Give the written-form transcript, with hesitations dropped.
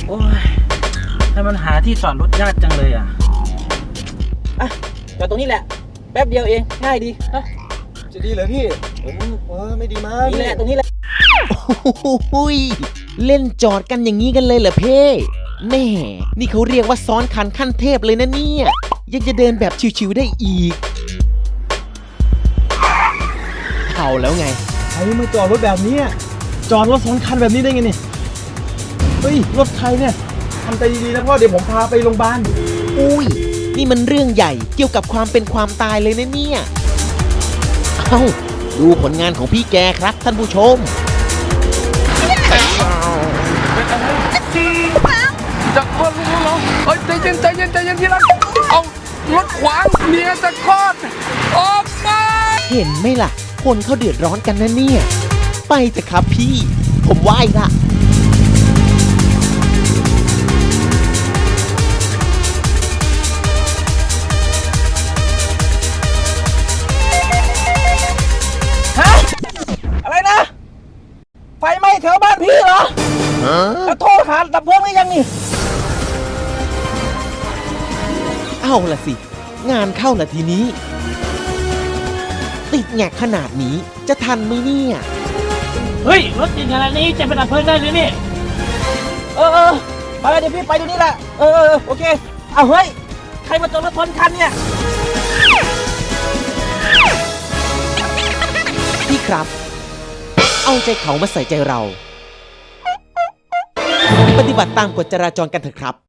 โอ้ยให้มันหาที่จอดรถยากจังเลยอ่ะจอดตรงนี้แหละแป๊บเดียวเองง่ายดีจะดีเหรอพี่ไม่ดีมากนี่แหละตรงนี้แหละโอ้ยเล่นจอดกันอย่างนี้กันเลยเหรอเพ่แม่นี่เขาเรียกว่าซ้อนคันขั้นเทพเลยนะเนี่ยยังจะเดินแบบชิวๆได้อีกเอาแล้วไงใครมาจอดรถแบบนี้จอดรถ2 คันแบบนี้ได้ไงเนี่ยเฮ้ยรถใครเนี่ยทำใจดีๆนะพ่อเดี๋ยวผมพาไปโรงพยาบาลอุ้ยนี่มันเรื่องใหญ่เกี่ยวกับความเป็นความตายเลยนะเนี่ยเอ้าดูผลงานของพี่แกครับท่านผู้ชมจะคลอดลูกแล้วเหรอใจเย็นที่รักเอารถขวางเมียจะคลอดออกมาเห็นไหมล่ะคนเขาเดือดร้อนกันนะเนี่ยไปเถอะครับพี่ผมไหว้ละอะไรนะไฟไหม้แถวบ้านพี่เหรอแล้วโทรหาดับเพลิงได้ยังนี่เอาล่ะสิงานเข้าละทีนี้ติดแงกขนาดนี้จะทันไหมเนี่ยเฮ้ยรถติดขนาดนี้จะไปดับเพลิงได้หรือนี่ไปเดี๋ยวพี่ไปตรงนี้แหละโอเคเอาเฮ้ยใครมาจอดรถชนคันเนี่ยพี่ครับเอาใจเขามาใส่ใจเราปฏิบัติตามกฎจราจรกันเถอะครับ